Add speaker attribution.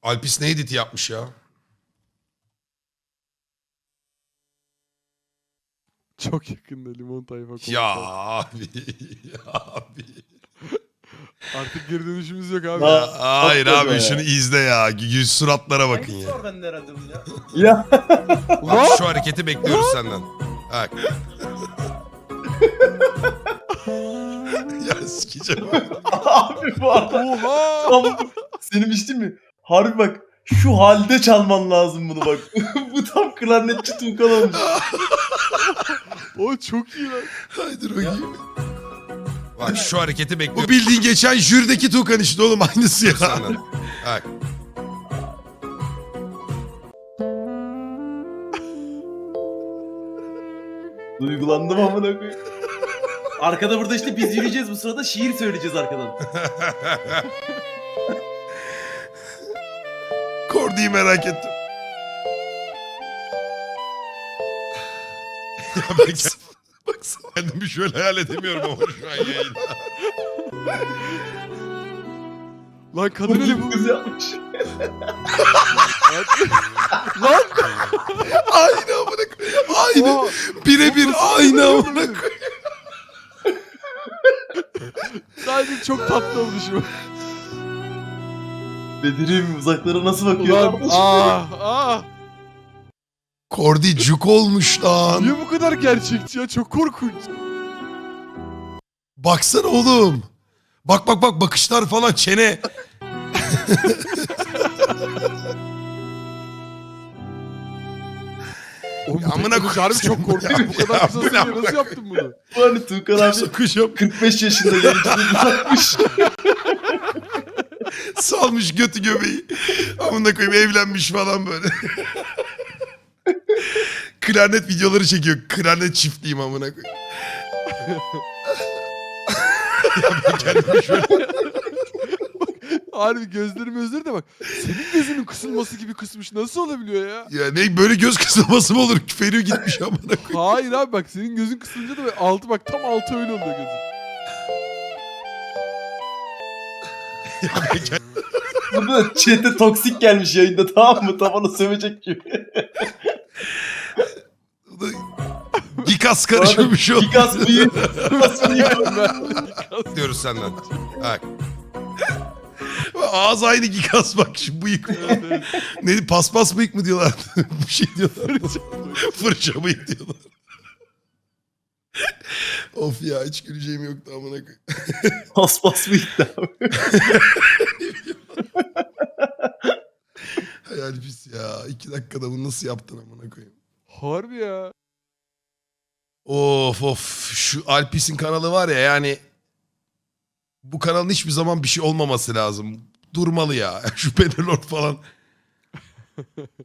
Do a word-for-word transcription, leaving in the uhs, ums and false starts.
Speaker 1: Alpis ne editi yapmış ya?
Speaker 2: Çok yakında limon tayfa konuşuyor.
Speaker 1: Ya abi. Ya abi.
Speaker 2: Artık geri dönüşümüz yok abi.
Speaker 1: Ya, hayır
Speaker 3: Çok
Speaker 1: abi
Speaker 3: kötü
Speaker 1: şunu
Speaker 3: ya.
Speaker 1: izle ya. Yüz suratlara bakın
Speaker 4: Hangisi
Speaker 1: ya.
Speaker 4: var bende herhalde bunun ya?
Speaker 3: Ya.
Speaker 1: Bak şu hareketi bekliyoruz senden. Bak. Ya sikeceğim.
Speaker 3: Abi bu arada
Speaker 2: Oha!
Speaker 3: tam senin içtin mi? Harbi bak şu halde çalman lazım bunu bak. Bu tam klarnetçi Tuğkan olmuş.
Speaker 2: O çok iyi lan.
Speaker 1: Haydi bakayım. Bak şu hareketi bekliyorum. Bu bildiğin geçen jürideki Tuğkan işte oğlum aynısı ya. Senden. Bak.
Speaker 3: Duygulandım amına koyayım.
Speaker 4: Arkada burada işte biz yürüyeceğiz, bu sırada şiir söyleyeceğiz arkadan.
Speaker 1: Kordi'yi merak ettim. Ya baksana. Baksana. Kendimi şöyle hayal edemiyorum ama şu an yayında.
Speaker 2: Lan kadın öyle bu.
Speaker 3: Kız yapmış.
Speaker 2: Lan!
Speaker 1: Aynı amına koyayım. Aynı.
Speaker 2: Oha!
Speaker 1: Birebir aynı amına koyayım.
Speaker 2: Sadece çok tatlı olmuş bu.
Speaker 3: Bedir'im uzaklara nasıl bakıyor?
Speaker 2: Ulan ah ah.
Speaker 1: Kordi cuk olmuş lan.
Speaker 2: Niye bu kadar gerçekçi ya? Çok korkunç.
Speaker 1: Baksana oğlum. Bak bak bak bakışlar falan çene.
Speaker 2: Oğlum
Speaker 1: Ya
Speaker 2: bu
Speaker 1: amına
Speaker 2: teknoloji harbi
Speaker 1: koyayım.
Speaker 2: çok korkunç.
Speaker 1: Ya,
Speaker 2: Bu kadar
Speaker 1: ya,
Speaker 2: kısa
Speaker 1: bu ne
Speaker 2: sürede
Speaker 1: amına
Speaker 2: nasıl yaptın bunu?
Speaker 3: Bu hani Tuğkan abi
Speaker 1: Sokacağım.
Speaker 3: kırk beş yaşında yayıncılığı bırakmış.
Speaker 1: Salmış götü göbeği. Amına koyayım evlenmiş falan böyle. Klarnet videoları çekiyor. Klarnet çiftliğim amına koyayım. Ya ben kendimi şöyle...
Speaker 2: Harbi gözlerim özür de bak. Senin gözünün kısılması gibi kısmış. Nasıl olabiliyor ya?
Speaker 1: Ya ne böyle göz kısılması mı olur? Feriyor gitmiş amına koyayım.
Speaker 2: Hayır abi bak senin gözün kısılınca da böyle altı bak tam altı öyle oluyor gözün.
Speaker 1: Ya ben kendim-
Speaker 3: Burada chat'e toksik gelmiş yayında, tamam mı? Tavana sövecek gibi.
Speaker 1: Gikas karışımı bir şey oldu.
Speaker 3: Gigas bıyığı. Gigas bıyığı.
Speaker 1: Diyoruz senden. Bak. Ağız aynı Gikas bak şu bıyık. Ne paspas bıyık mı diyorlar? Bir şey diyorlar. Fırça bıyık diyorlar. Of ya hiç güleceğim yoktu amına koyayım.
Speaker 3: Paspas bıyık da abi.
Speaker 1: Hayal pis ya. İki dakikada bunu nasıl yaptın amına koyayım.
Speaker 2: Harbi ya.
Speaker 1: Of of şu Alpis'in kanalı var ya yani bu kanalın hiçbir zaman bir şey olmaması lazım. Durmalı ya. Şu Penelord falan.